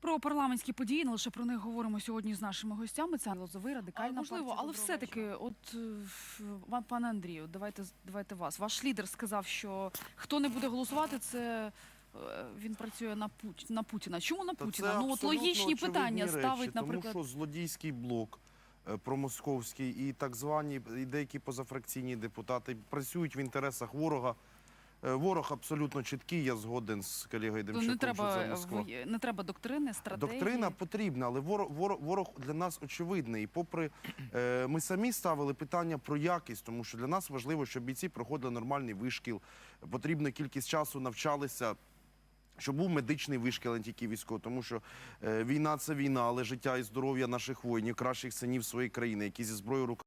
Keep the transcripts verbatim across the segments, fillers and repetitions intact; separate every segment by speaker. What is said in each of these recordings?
Speaker 1: Про парламентські події, не лише про них говоримо сьогодні з нашими гостями. Це Лозовий, Радикальна партія. Можливо, але все-таки, от, вам, пане Андрію, давайте, давайте вас. Ваш лідер сказав, що хто не буде голосувати, це він працює на, Пут... на Путіна. Чому на Путіна? Ну, от логічні питання речі, ставить, наприклад...
Speaker 2: Тому що злодійський блок промосковський і так звані, і деякі позафракційні депутати працюють в інтересах ворога. Ворог абсолютно чіткий, я згоден з колегою Демчаком,
Speaker 1: не треба,
Speaker 2: що це Москва.
Speaker 1: Не треба доктрини, стратегії?
Speaker 2: Доктрина потрібна, але ворог, ворог, ворог для нас очевидний. І попри, е, ми самі ставили питання про якість, тому що для нас важливо, щоб бійці проходили нормальний вишкіл, потрібна кількість часу навчалися, щоб був медичний вишкіл, а не тільки військовий, тому що е, війна – це війна, але життя і здоров'я наших воїнів, кращих синів своєї країни, які зі зброєю в руках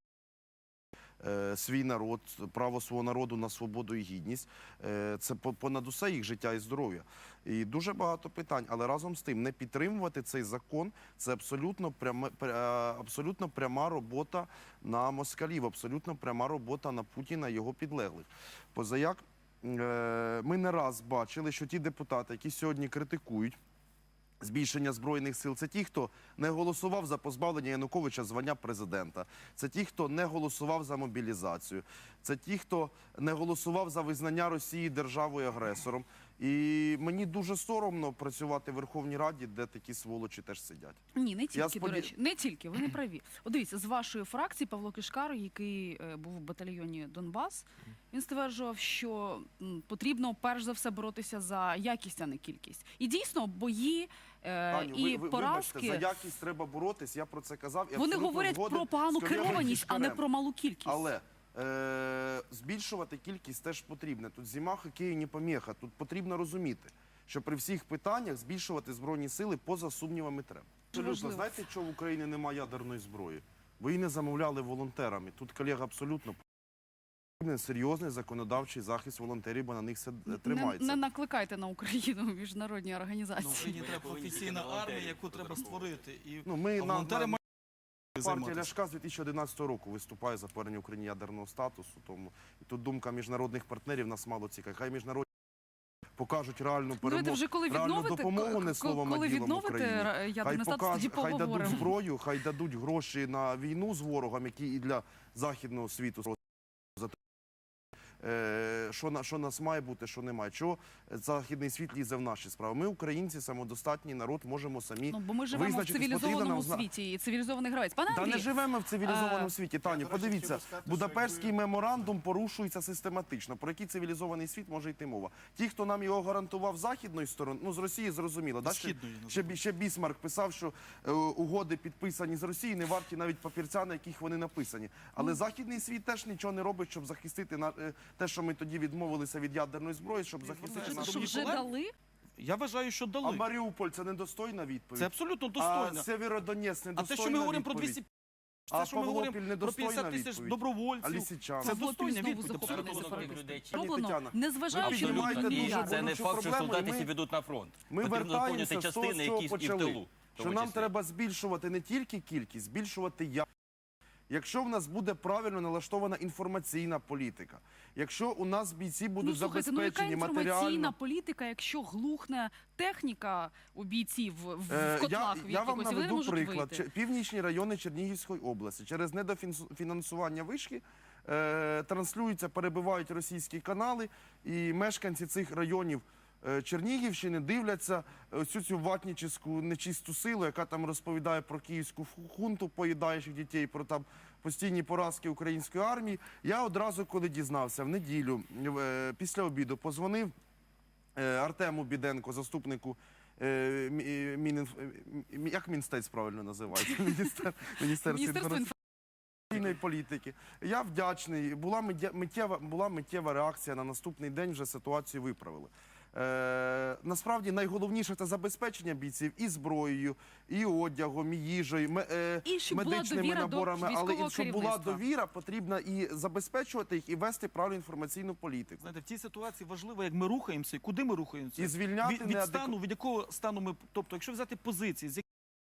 Speaker 2: свій народ, право свого народу на свободу і гідність. Це понад усе їх життя і здоров'я. І дуже багато питань. Але разом з тим, не підтримувати цей закон – це абсолютно пряма, абсолютно пряма робота на москалів, абсолютно пряма робота на Путіна і його підлеглих. Позаяк ми не раз бачили, що ті депутати, які сьогодні критикують збільшення Збройних сил, це ті, хто не голосував за позбавлення Януковича звання президента. Це ті, хто не голосував за мобілізацію. Це ті, хто не голосував за визнання Росії державою-агресором. І мені дуже соромно працювати в Верховній Раді, де такі сволочі теж сидять.
Speaker 1: Ні, не тільки, сподів... до речі. Не тільки, ви не праві. От дивіться, з вашої фракції Павло Кишкар, який е, був в батальйоні Донбас, він стверджував, що м, потрібно перш за все боротися за якість, а не кількість. І дійсно, бої е,
Speaker 2: Таню,
Speaker 1: і
Speaker 2: ви, ви,
Speaker 1: поразки...
Speaker 2: Вибачте, за якість треба боротись, я про це казав. І
Speaker 1: вони говорять про погану керованість, а не про малу кількість.
Speaker 2: Але е, збільшувати кількість теж потрібно. Тут зима, хокею не поміха. Тут потрібно розуміти, що при всіх питаннях збільшувати Збройні сили поза сумнівами треба. Абсолютно. Знаєте, чого в Україні немає ядерної зброї? Ви її не замовляли волонтерами. Тут колега абсолютно потрібен серйозний законодавчий захист волонтерів, бо на них все тримається.
Speaker 1: Не, не накликайте на Україну міжнародні організації.
Speaker 3: На Україні треба професійна армія, яку треба створити. І
Speaker 2: ну, ми
Speaker 3: волонтери
Speaker 2: на... Партія Ляшка з дві тисячі одинадцятого року виступає за повернення Україні ядерного статусу. Тому і тут думка міжнародних партнерів нас мало цікавить. Хай міжнародні покажуть реальну перемогу,
Speaker 1: вже коли
Speaker 2: реальну допомогу, не словом, а ділом Україні.
Speaker 1: Хай, покаж,
Speaker 2: хай дадуть зброю, хай дадуть гроші на війну з ворогом, які і для західного світу. Що, на, що нас має бути, що немає. Чого західний світ лізе в наші справи? Ми, українці, самодостатній народ, можемо самі
Speaker 1: ну, бо ми живемо в цивілізованому світі, і цивілізований гравець. Пане Андрій,
Speaker 2: та не живемо в цивілізованому а... світі, Таню. Подивіться, Будапештський меморандум порушується систематично. Про який цивілізований світ може йти мова? Ті, хто нам його гарантував з західної сторони, ну з Росії зрозуміло. Да? Ще, ще, ще Бісмарк писав, що е, угоди підписані з Росії не варті навіть папірця, на яких вони написані. Але mm. західний світ теж нічого не робить, щоб захистити на, е, те, що ми тоді відмовилися від ядерної зброї, щоб захистити
Speaker 1: нас. Що вже дали?
Speaker 3: Я вважаю, що дали.
Speaker 2: А Маріуполь – це недостойна відповідь?
Speaker 3: Це абсолютно достойна.
Speaker 2: А Сєвєродонецьк – недостойна відповідь?
Speaker 3: А те, що ми говоримо про двісті...
Speaker 2: А це, що ми говоримо про
Speaker 3: п'ятдесят тисяч добровольців,
Speaker 2: це
Speaker 3: достойна відповідь.
Speaker 1: Роблено, незважаючи
Speaker 2: на
Speaker 4: це не факт, що солдати ведуть на фронт.
Speaker 2: Ми вертаємося з того, що почали. Що нам треба збільшувати не тільки кількість, збільшувати якість. Якщо в нас буде правильно налаштована інформаційна політика, якщо у нас бійці будуть
Speaker 1: ну, слухайте,
Speaker 2: забезпечені
Speaker 1: ну, яка
Speaker 2: матеріально...
Speaker 1: інформаційна політика, якщо глухне техніка у бійців в,
Speaker 2: е,
Speaker 1: в котлах?
Speaker 2: Я, я вам наведу приклад.
Speaker 1: Вийти.
Speaker 2: Північні райони Чернігівської області через недофінансування вишки е, транслюються, перебивають російські канали, і мешканці цих районів Чернігівщини дивляться всю цю ватнічську нечисту силу, яка там розповідає про київську хунту, поїдаючих дітей, про там постійні поразки української армії. Я одразу, коли дізнався, в неділю, після обіду, позвонив Артему Біденко, заступнику, як Мінстець правильно називається? Міністерство інформаційної політики. Я вдячний. Була миттєва, була миттєва реакція, на наступний день вже ситуацію виправили. Е, насправді найголовніше – це забезпечення бійців і зброєю, і одягом, і їжею, ме, е,
Speaker 1: і
Speaker 2: медичними наборами, але і щоб була довіра, потрібно і забезпечувати їх, і вести правильну інформаційну політику.
Speaker 3: Знаєте, в цій ситуації важливо, як ми рухаємося, і куди ми рухаємося.
Speaker 2: І звільняти
Speaker 3: від, від стану, від якого стану ми, тобто, якщо взяти позиції, з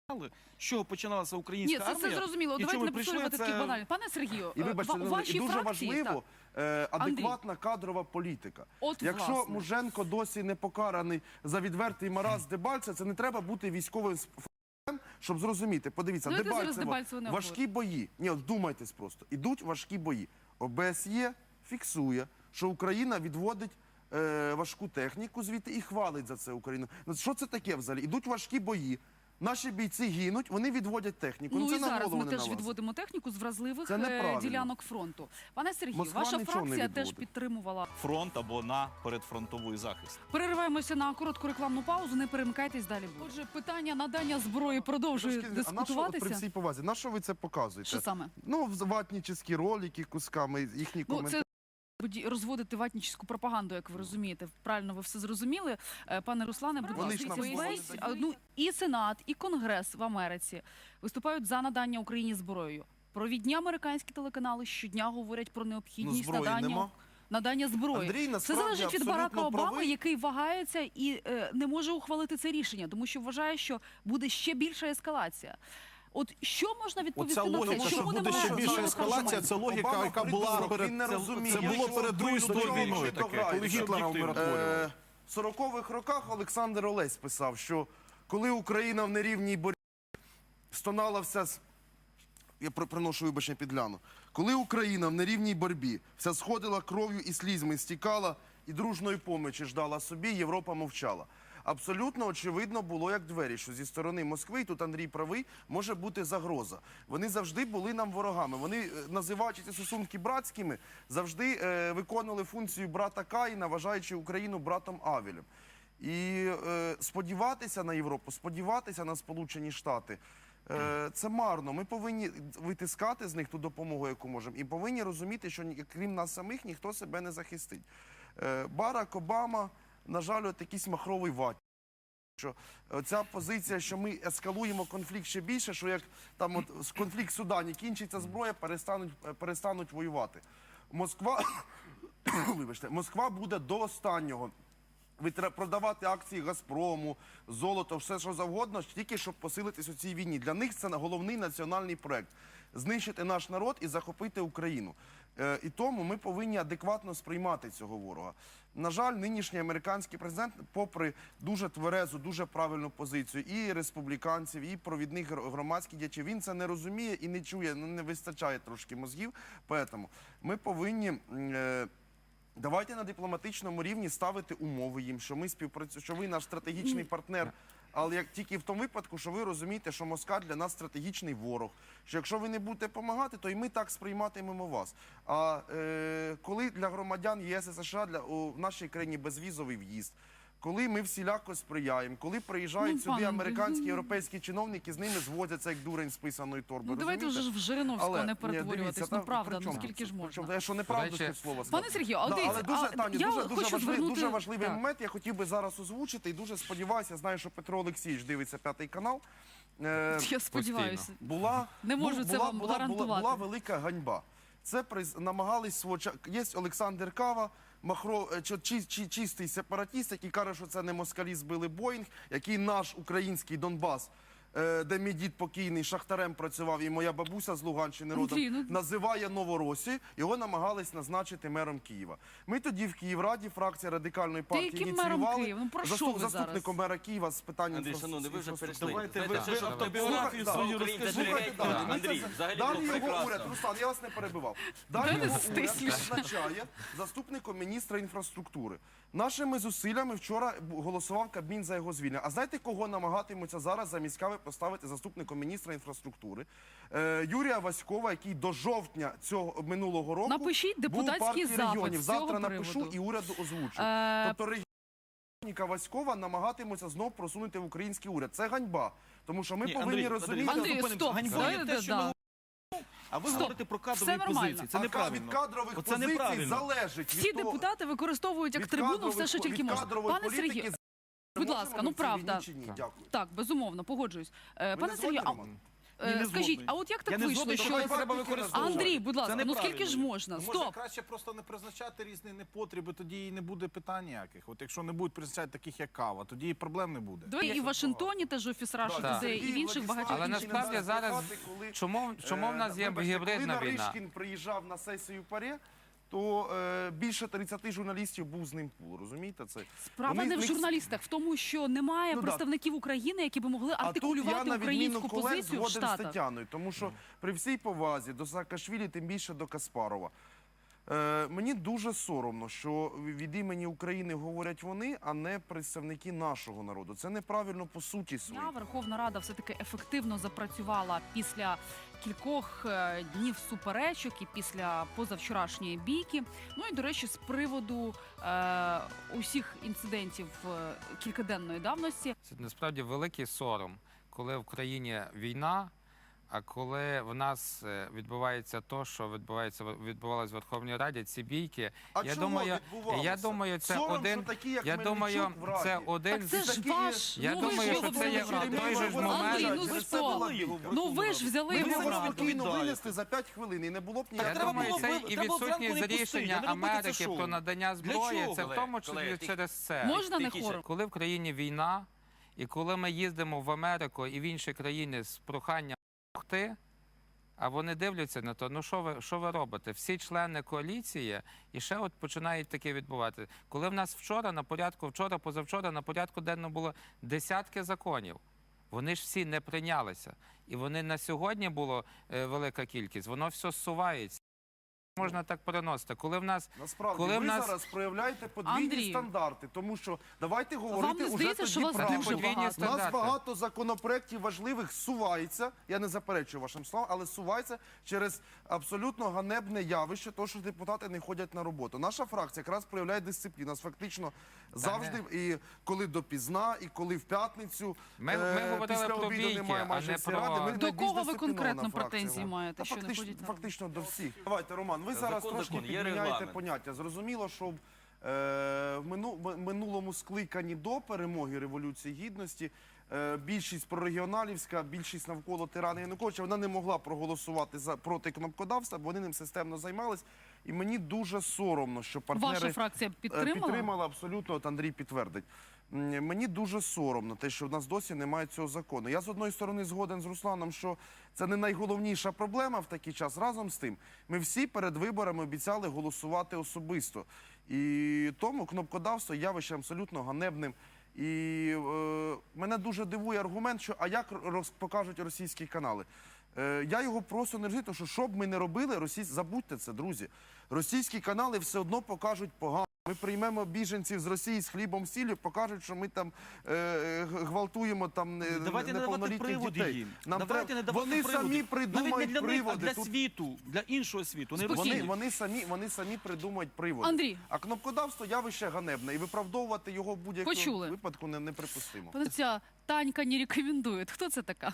Speaker 3: з чого починалася
Speaker 1: Ні,
Speaker 3: українська
Speaker 1: це все
Speaker 3: армія.
Speaker 1: зрозуміло.
Speaker 3: і
Speaker 1: Давайте
Speaker 3: чому
Speaker 1: не
Speaker 3: прийшли,
Speaker 1: повторювати
Speaker 3: це-
Speaker 1: такі банальні. Пане Сергію,
Speaker 2: І вибачте,
Speaker 1: ва-
Speaker 2: Ірина,
Speaker 1: ваші
Speaker 2: і дуже
Speaker 1: фракції,
Speaker 2: важливо е, адекватна кадрова політика.
Speaker 1: От,
Speaker 2: Якщо
Speaker 1: власне.
Speaker 2: Муженко досі не покараний за відвертий маразм Дебальцева, це не треба бути військовим фахівцем, щоб зрозуміти. Подивіться,
Speaker 1: Давайте зараз
Speaker 2: Дебальцево,
Speaker 1: Дебальцева не
Speaker 2: важкі бої. Ні, от вдумайтесь просто. Ідуть важкі бої. ОБСЄ фіксує, що Україна відводить е, важку техніку звідти і хвалить за це Україну. Ну, що це таке взагалі? Ідуть важкі бої. Наші бійці гинуть, вони відводять техніку.
Speaker 1: Ну
Speaker 2: це
Speaker 1: і
Speaker 2: на
Speaker 1: зараз
Speaker 2: голову
Speaker 1: ми
Speaker 2: не
Speaker 1: теж
Speaker 2: налазить.
Speaker 1: відводимо техніку з вразливих
Speaker 2: Це
Speaker 1: е,
Speaker 2: неправильно.
Speaker 1: ділянок фронту. Пане Сергію,
Speaker 2: Москва
Speaker 1: ваша
Speaker 2: нічого не
Speaker 1: фракція теж
Speaker 2: відводить.
Speaker 1: підтримувала.
Speaker 3: фронт або на передфронтовий захист.
Speaker 1: Перериваємося на коротку рекламну паузу, не перемикайтесь, далі буде. Отже, питання надання зброї продовжує
Speaker 2: Трошки- а на що, от при
Speaker 1: дискутуватися.
Speaker 2: всій повазі, на що ви це показуєте?
Speaker 1: Що саме?
Speaker 2: Ну, в- ватнічні ролики кусками, їхні
Speaker 1: Ну,
Speaker 2: коментарі.
Speaker 1: це буді- розводити ватнічську пропаганду, як ви розумієте. Правильно, ви все зрозуміли. Е, Пане Руслане, будь
Speaker 2: Вони
Speaker 1: ласка,
Speaker 2: ж нам
Speaker 1: весь,
Speaker 2: слово не
Speaker 1: а,
Speaker 2: дають.
Speaker 1: ну, і Сенат, і Конгрес в Америці виступають за надання Україні зброєю. Провідні американські телеканали щодня говорять про
Speaker 2: Ну,
Speaker 1: необхідність
Speaker 2: зброї
Speaker 1: надання,
Speaker 2: нема.
Speaker 1: надання зброї.
Speaker 2: Андрій,
Speaker 1: Це
Speaker 2: насправді,
Speaker 1: залежить від
Speaker 2: абсолютно
Speaker 1: Барака Обами,
Speaker 2: правий.
Speaker 1: який вагається і е, не може ухвалити це рішення, тому що вважає, що буде ще більша ескалація. От що можна відповісти
Speaker 5: Оця
Speaker 1: на
Speaker 5: логіка,
Speaker 1: це?
Speaker 5: що
Speaker 1: Чому
Speaker 5: буде
Speaker 1: немає
Speaker 5: ще більша
Speaker 1: жодного
Speaker 5: ескалація,
Speaker 1: аргументу?
Speaker 5: це логіка,
Speaker 2: Обама
Speaker 5: яка була
Speaker 2: придурок,
Speaker 5: перед
Speaker 2: він не
Speaker 5: це,
Speaker 2: розуміє,
Speaker 5: це було
Speaker 2: що
Speaker 5: перед Другою
Speaker 2: до
Speaker 5: світовою
Speaker 2: чого
Speaker 5: війною
Speaker 2: ще
Speaker 5: таке,
Speaker 2: дограють.
Speaker 5: коли Гітлера
Speaker 3: Об'єктивно.
Speaker 5: умиротворювали.
Speaker 2: Е, В сорокових роках Олександр Олесь писав, що коли Україна в нерівній боротьбі стонала вся... с- Я при- приношу вибачення підляну. Коли Україна в нерівній боротьбі вся сходила кров'ю і слізьми, стікала і дружної помочі ждала собі, Європа мовчала. Абсолютно очевидно було, як двері, що зі сторони Москви, і тут Андрій правий, може бути загроза. Вони завжди були нам ворогами. Вони, е, називаючи ці стосунки братськими, завжди е, виконували функцію брата Каїна, вважаючи Україну братом Авелем. І е, сподіватися на Європу, сподіватися на Сполучені Штати, е, це марно. Ми повинні витискати з них ту допомогу, яку можемо, і повинні розуміти, що ні- крім нас самих ніхто себе не захистить. Е, Барак Обама, на жаль, от якийсь махровий ват. Що ця позиція, що ми ескалуємо конфлікт ще більше, що як там от с- конфлікт в Судані кінчиться зброя, перестануть, е, перестануть воювати. Москва, вибачте, Москва буде до останнього витра- продавати акції Газпрому, золото, все що завгодно, тільки щоб посилитись у цій війні. Для них це головний національний проект – знищити наш народ і захопити Україну. Е, І тому ми повинні адекватно сприймати цього ворога. На жаль, нинішній американський президент, попри дуже тверезу, дуже правильну позицію і республіканців, і провідних гр- громадських діячів, він це не розуміє і не чує, ну, не вистачає трошки мозгів. Тому ми повинні... м, е, Давайте на дипломатичному рівні ставити умови їм, що ми співпрацюємо, що ви наш стратегічний партнер. Але як тільки в тому випадку, що ви розумієте, що Москва для нас стратегічний ворог. Що якщо ви не будете допомагати, то і ми так сприйматимемо вас. А е, коли для громадян ЄС і США для у, в нашій країні безвізовий в'їзд. Коли ми всіляко сприяємо, коли приїжджають
Speaker 1: Ну,
Speaker 2: сюди
Speaker 1: пане
Speaker 2: американські,
Speaker 1: Андрій,
Speaker 2: європейські чиновники, з ними зводяться як дурень з писаної торби.
Speaker 1: Ну давайте вже
Speaker 2: розумієте?
Speaker 1: ж в Жириновського
Speaker 2: Але,
Speaker 1: не
Speaker 2: ні,
Speaker 1: перетворюватись.
Speaker 2: дивіться,
Speaker 1: Ну
Speaker 2: та
Speaker 1: правда,
Speaker 2: при
Speaker 1: ну
Speaker 2: чому
Speaker 1: скільки
Speaker 2: це?
Speaker 1: ж
Speaker 2: При
Speaker 1: можна?
Speaker 2: чому? Я що неправду
Speaker 1: Коротше,
Speaker 2: тут слово
Speaker 1: Пане
Speaker 2: сказав?
Speaker 1: Сергію, але
Speaker 2: Да,
Speaker 1: дивіться,
Speaker 2: але дуже,
Speaker 1: а,
Speaker 2: Таню,
Speaker 1: я
Speaker 2: дуже, дуже,
Speaker 1: хочу
Speaker 2: важливий,
Speaker 1: звернути...
Speaker 2: дуже важливий
Speaker 1: Так.
Speaker 2: момент, я хотів би зараз озвучити і дуже сподіваюся, знаю, що Петро Олексійович дивиться п'ятий канал. Е,
Speaker 1: Я сподіваюся.
Speaker 2: була,
Speaker 1: Не можу
Speaker 2: бу-
Speaker 1: це
Speaker 2: була,
Speaker 1: вам
Speaker 2: була, була,
Speaker 1: гарантувати.
Speaker 2: була велика ганьба. Це приз, намагались свого часу. Є Олександр Кава, махро, е, чи, чи, чи, чистий сепаратіст, який каже, що це не москалі збили Боїнг, який наш український Донбас, е, де мій дід покійний шахтарем працював, і моя бабуся з Луганщини родом,
Speaker 1: Андрій, ну-
Speaker 2: називає Новоросію, його намагались назначити мером Києва. Ми тоді в Київраді, фракція Радикальної партії,
Speaker 1: яким мером
Speaker 2: ініціювали
Speaker 1: Києва? Ну, про що
Speaker 2: заступ-
Speaker 1: ви зараз?
Speaker 2: заступником мера Києва з питань
Speaker 4: Андрій,
Speaker 2: інфра-
Speaker 4: шановний, ви вже
Speaker 2: інфраструктури.
Speaker 4: перейшли.
Speaker 3: Давайте
Speaker 4: Знаєте,
Speaker 3: ви-
Speaker 4: це
Speaker 3: ви
Speaker 4: ж
Speaker 3: автобіографію
Speaker 2: да,
Speaker 3: свою
Speaker 4: українця
Speaker 3: розкажіть.
Speaker 4: дуже
Speaker 2: Слухайте,
Speaker 4: геть,
Speaker 2: далі.
Speaker 4: Андрій,
Speaker 2: Ми це-
Speaker 4: взагалі
Speaker 2: Далі
Speaker 4: було
Speaker 2: його уряд,
Speaker 4: прекрасно.
Speaker 2: Руслан, я вас не перебивав. Далі
Speaker 1: Давайте
Speaker 2: його уряд
Speaker 1: стисліше.
Speaker 2: назначає заступником міністра інфраструктури. Нашими зусиллями вчора бу- голосував Кабмін за його звільнення. А знаєте, кого намагатимуться зараз замість Кави поставити заступником міністра інфраструктури? Е, Юрія Васькова, який до жовтня цього минулого року
Speaker 1: Напишіть
Speaker 2: був у
Speaker 1: депутатський
Speaker 2: партії
Speaker 1: запит
Speaker 2: регіонів.
Speaker 1: з цього
Speaker 2: Завтра напишу
Speaker 1: приводу.
Speaker 2: і уряду озвучу.
Speaker 1: Е,
Speaker 2: Тобто регіонника Васькова намагатимуться знов просунути в український уряд. Це ганьба. Тому що ми
Speaker 3: Ні,
Speaker 2: повинні
Speaker 3: Андрій,
Speaker 2: розуміти...
Speaker 3: Андрій,
Speaker 1: Андрій,
Speaker 3: зупинимося.
Speaker 1: стоп,
Speaker 3: Ганьбою
Speaker 1: знаєте,
Speaker 3: те, що
Speaker 1: да.
Speaker 3: ми А ви
Speaker 1: Стоп.
Speaker 3: говорите про кадрові
Speaker 1: Все нормально.
Speaker 3: позиції. Це
Speaker 2: А
Speaker 3: неправильно.
Speaker 2: від кадрових
Speaker 3: Оце
Speaker 2: позицій
Speaker 3: неправильно.
Speaker 2: залежить
Speaker 1: Всі
Speaker 2: від того...
Speaker 1: депутати використовують як
Speaker 2: від
Speaker 1: трибуну
Speaker 2: кадрових-
Speaker 1: все, що
Speaker 2: від
Speaker 1: тільки можна.
Speaker 2: кадрової
Speaker 1: Пане
Speaker 2: політики
Speaker 1: Сергію,
Speaker 2: з-
Speaker 1: будь
Speaker 2: можемо
Speaker 1: ласка,
Speaker 2: ми
Speaker 1: ну
Speaker 2: в цій
Speaker 1: правда.
Speaker 2: війні чи ні? Дякую.
Speaker 1: Так, безумовно, погоджуюсь. Е,
Speaker 2: Ви
Speaker 1: Пане
Speaker 2: не
Speaker 1: Сергію,
Speaker 2: згодні,
Speaker 1: а
Speaker 2: Роман?
Speaker 1: Е,
Speaker 3: не
Speaker 1: Скажіть,
Speaker 3: згодний.
Speaker 1: а от як так
Speaker 3: Я не
Speaker 1: вийшло,
Speaker 3: згодний,
Speaker 1: що...
Speaker 3: що треба використовувати.
Speaker 1: Андрій, будь
Speaker 3: Це
Speaker 1: ласка, ну
Speaker 3: неправильно.
Speaker 1: скільки ж можна?
Speaker 5: Може,
Speaker 1: Стоп!
Speaker 5: краще просто не призначати різні непотреби, тоді і не буде питань ніяких. От якщо не будуть призначати таких, як кава, тоді і проблем не буде.
Speaker 1: Давай і в Вашингтоні теж офіс Russia
Speaker 2: Так.
Speaker 1: Today, і в інших багатьох
Speaker 4: Але
Speaker 1: інших
Speaker 4: насправді
Speaker 1: місцях.
Speaker 4: зараз чому, чому в нас є
Speaker 2: Е, вибачте,
Speaker 4: гібридна
Speaker 2: коли
Speaker 4: війна?
Speaker 2: Наришкін приїжджав на сесію ПАРЄ, то е, більше тридцяти журналістів був з ним пул, розумієте це?
Speaker 1: Справа
Speaker 2: Вони-
Speaker 1: не в
Speaker 2: них-
Speaker 1: журналістах, в тому, що немає
Speaker 2: Ну, да.
Speaker 1: представників України, які би могли
Speaker 2: А тут я,
Speaker 1: артикулювати
Speaker 2: на відміну
Speaker 1: українську
Speaker 2: колег,
Speaker 1: позицію в
Speaker 2: згоден з
Speaker 1: Штатах.
Speaker 2: Тетяною, тому що при всій повазі до Саакашвілі, тим більше до Каспарова, е, мені дуже соромно, що від імені України говорять вони, а не представники нашого народу. Це неправильно по суті своїй.
Speaker 1: Дня Верховна Рада все-таки ефективно запрацювала після кількох е, днів суперечок і після позавчорашньої бійки. Ну і, до речі, з приводу е, усіх інцидентів е, кількаденної давності.
Speaker 4: Це насправді великий сором, коли в країні війна, а коли в нас е, відбувається то, що відбувається відбувалося в Верховній Раді, ці бійки.
Speaker 2: А
Speaker 4: я
Speaker 2: чого
Speaker 4: думаю,
Speaker 2: відбувалося?
Speaker 4: я думаю, це
Speaker 2: Сором,
Speaker 4: один.
Speaker 2: що такі, як
Speaker 4: Я думаю,
Speaker 2: Мельничук в Раді.
Speaker 4: це один
Speaker 1: Так це
Speaker 4: з
Speaker 1: ж
Speaker 2: такі-
Speaker 1: ваш
Speaker 4: Я
Speaker 1: новий
Speaker 4: думаю, що
Speaker 1: голова
Speaker 4: це є
Speaker 1: Верховної Ради.
Speaker 4: той же ж момент.
Speaker 1: Андрій, ну ви
Speaker 2: Це
Speaker 1: що?
Speaker 2: була
Speaker 1: Ну ви ж взяли
Speaker 2: Ми
Speaker 1: його в
Speaker 2: могли
Speaker 1: Раду.
Speaker 2: спокійно
Speaker 3: відповідаєте.
Speaker 2: винести за п'ять хвилин, і не було б
Speaker 4: Я
Speaker 2: ніякого.
Speaker 3: треба
Speaker 4: думаю,
Speaker 3: було
Speaker 4: це
Speaker 3: ви-
Speaker 4: і
Speaker 3: треба зранку
Speaker 4: відсутність
Speaker 3: не пустити,
Speaker 4: рішення
Speaker 3: не робити це
Speaker 4: Америки
Speaker 3: шоу.
Speaker 4: про надання
Speaker 3: Для
Speaker 4: зброї.
Speaker 3: чого?
Speaker 4: Це в тому числі
Speaker 6: Колеги,
Speaker 4: через це.
Speaker 1: Можна не
Speaker 6: Тільки
Speaker 1: хором?
Speaker 4: Коли в країні війна, і коли ми їздимо в Америку і в інші країни з проханням допомогти, а вони дивляться на то, ну що ви, що ви робите? Всі члени коаліції, і ще от починають таке відбувати. Коли в нас вчора на порядку, вчора, позавчора на порядку денно було десятки законів. Вони ж всі не прийнялися. І вони на сьогодні було е, велика кількість, воно все зсувається. Можна так переносити. Коли в нас
Speaker 2: Насправді,
Speaker 4: Коли
Speaker 2: ви
Speaker 4: в нас-
Speaker 2: зараз проявляєте подвійні
Speaker 1: Андрій.
Speaker 2: стандарти, тому що давайте
Speaker 1: Вам
Speaker 2: говорити
Speaker 1: не
Speaker 2: уже
Speaker 1: здається, що
Speaker 2: тоді
Speaker 1: вас
Speaker 2: правду.
Speaker 1: дуже
Speaker 4: Подвійні
Speaker 1: багато?
Speaker 2: У нас
Speaker 4: стандарти.
Speaker 2: багато законопроєктів важливих сувається, я не заперечую вашим словам, але сувається через абсолютно ганебне явище, то, що депутати не ходять на роботу. Наша фракція якраз проявляє дисципліну. Нас фактично завжди, і коли допізна, і коли в п'ятницю,
Speaker 4: Ми- ми
Speaker 2: е,
Speaker 4: говорили
Speaker 2: після
Speaker 4: про
Speaker 2: обіду
Speaker 4: бійки,
Speaker 2: немає
Speaker 4: а
Speaker 2: майже
Speaker 4: не
Speaker 2: всієї
Speaker 4: про-
Speaker 2: ради. Ми
Speaker 1: До
Speaker 2: найбільш
Speaker 1: кого ви
Speaker 2: дисциплінована
Speaker 1: конкретно
Speaker 2: фракція.
Speaker 1: претензії маєте,
Speaker 2: Та
Speaker 1: що не
Speaker 2: фактично,
Speaker 1: ходять на
Speaker 2: фактично до всіх. Давайте, Роман, ви зараз
Speaker 6: Закон,
Speaker 2: трошки
Speaker 6: закон, є
Speaker 2: підміняєте
Speaker 6: регламент.
Speaker 2: поняття. Зрозуміло, що е, в мину- в минулому скликанні до перемоги Революції Гідності е, більшість прорегіоналівська, більшість навколо тирана Януковича, вона не могла проголосувати за проти кнопкодавства, бо вони ним системно займались. І мені дуже соромно, що партнери
Speaker 1: Ваша фракція
Speaker 2: е,
Speaker 1: підтримала?
Speaker 2: підтримала абсолютно, от Андрій підтвердить. М, Мені дуже соромно те, що в нас досі немає цього закону. Я з одної сторони згоден з Русланом, що це не найголовніша проблема в такий час. Разом з тим, ми всі перед виборами обіцяли голосувати особисто. І тому кнопкодавство є явищем абсолютно ганебним. І е, мене дуже дивує аргумент, що а як роз, покажуть російські канали. Е, я його просто не розумію, тому що що б ми не робили, російсь... забудьте це, друзі. Російські канали все одно покажуть погано. Ми приймемо біженців з Росії з хлібом сіллю, покажуть, що ми там е, е, гвалтуємо там е,
Speaker 3: Давайте не давати
Speaker 2: неповнолітніх
Speaker 3: приводи
Speaker 2: дітей.
Speaker 3: їм.
Speaker 2: Нам
Speaker 3: Давайте
Speaker 2: треба-
Speaker 3: не давати
Speaker 2: Вони
Speaker 3: приводи.
Speaker 2: самі
Speaker 3: Навіть
Speaker 2: придумають
Speaker 3: не для них, а
Speaker 2: приводи.
Speaker 3: для
Speaker 2: Тут
Speaker 3: світу, для іншого світу. Не
Speaker 1: Спокійно.
Speaker 2: вони,
Speaker 3: Росії.
Speaker 2: вони, самі, вони самі придумають приводи.
Speaker 1: Андрій.
Speaker 2: А кнопкодавство явище ганебне, і виправдовувати його в будь-якому
Speaker 1: Почули.
Speaker 2: випадку не, неприпустимо.
Speaker 1: Пане, ця Танька не рекомендує. Хто це така?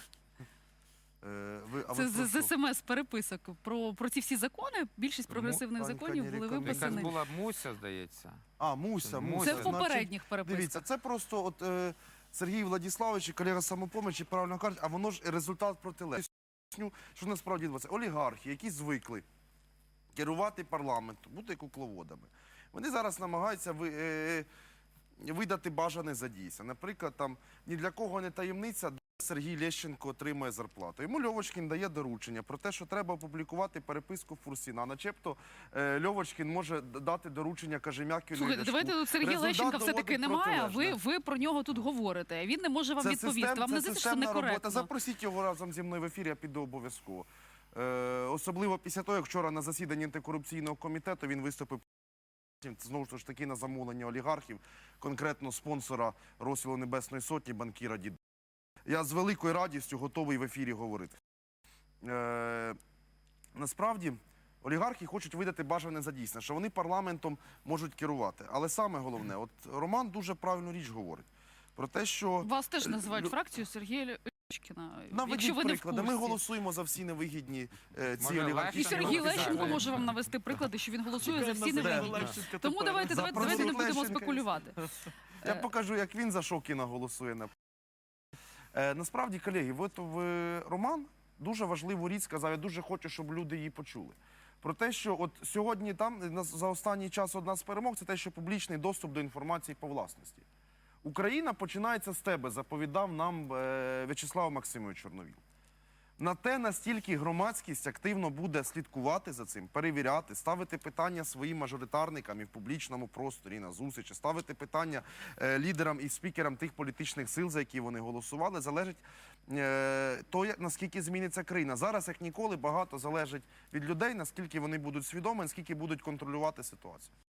Speaker 2: Е, ви, а
Speaker 1: Це
Speaker 2: ви про
Speaker 1: з,
Speaker 2: що?
Speaker 1: з смс-переписок про, про ці всі закони. Більшість прогресивних
Speaker 2: Танька
Speaker 1: законів
Speaker 2: не
Speaker 1: були
Speaker 2: рекомендує.
Speaker 4: якась
Speaker 1: виписані.
Speaker 4: була Муся, здається.
Speaker 2: А, Муся, Муся.
Speaker 1: Це в
Speaker 2: значить,
Speaker 1: попередніх переписках.
Speaker 2: Дивіться, це просто от е, Сергій Владиславович, і колега з самопомочі, правильно кажуть, а воно ж результат протилежний. Поясню, що насправді відбувається. Олігархи, які звикли керувати парламентом, бути кукловодами, вони зараз намагаються ви, е, видати бажане за дійсне. Наприклад, там ні для кого не таємниця, де Сергій Лещенко отримує зарплату. Йому Льовочкін дає доручення про те, що треба опублікувати переписку Фурсіна. Начебто е, Льовочкін може д- дати доручення Кажем'якіну. і
Speaker 1: Слухайте,
Speaker 2: Ляшку.
Speaker 1: давайте тут Сергія
Speaker 2: Результат
Speaker 1: Лещенка все-таки
Speaker 2: доводить
Speaker 1: немає, а ви,
Speaker 2: протилежне.
Speaker 1: ви про нього тут говорите. Він не може вам
Speaker 2: Це
Speaker 1: відповісти.
Speaker 2: систем-
Speaker 1: Вам не
Speaker 2: це
Speaker 1: здається, що це
Speaker 2: системна робота.
Speaker 1: некоректно?
Speaker 2: Запросіть його разом зі мною в ефір, я піду обов'язково. Е, особливо після того, як вчора на засіданні антикорупційного комітету він виступив знову ж таки на замовлення олігархів, конкретно спонсора розстрілу Небесної Сотні, банкіра Дід. Я з великою радістю готовий в ефірі говорити. Е, насправді, олігархи хочуть видати бажане за дійсне, що вони парламентом можуть керувати. Але саме головне, от Роман дуже правильну річ говорить. Про те, що
Speaker 1: Вас теж називають
Speaker 2: лю-
Speaker 1: фракцією Сергія Лещенкіна.
Speaker 2: наведіть
Speaker 1: Якщо ви не в
Speaker 2: приклади. Ми
Speaker 1: курсі.
Speaker 2: голосуємо за всі невигідні е, ці
Speaker 4: Може,
Speaker 2: олігархічні
Speaker 1: І Сергій
Speaker 4: Лещенко
Speaker 1: Лещенко
Speaker 4: Лещенко.
Speaker 1: може вам навести приклади, що він голосує за всі
Speaker 3: Чекаємо на
Speaker 1: невигідні.
Speaker 3: Лещенка
Speaker 1: Тому
Speaker 3: тепер.
Speaker 1: давайте, давайте,
Speaker 2: Запросіть
Speaker 1: давайте не будемо
Speaker 2: Лещенка.
Speaker 1: спекулювати.
Speaker 2: Я
Speaker 1: Е.
Speaker 2: покажу, як він за Шокіна голосує. на- Е, насправді, колеги, от в Роман дуже важливу річ сказав, я дуже хочу, щоб люди її почули. Про те, що от сьогодні там на- за останній час одна з перемог, це те, що публічний доступ до інформації по власності. Україна починається з тебе, заповідав нам е, В'ячеслав Максимович Чорновіл. На те, настільки громадськість активно буде слідкувати за цим, перевіряти, ставити питання своїм мажоритарникам і в публічному просторі, і на зустрічі, ставити питання е, лідерам і спікерам тих політичних сил, за які вони голосували, залежить е, то, як- наскільки зміниться країна. Зараз, як ніколи, багато залежить від людей, наскільки вони будуть свідомі, наскільки будуть контролювати ситуацію.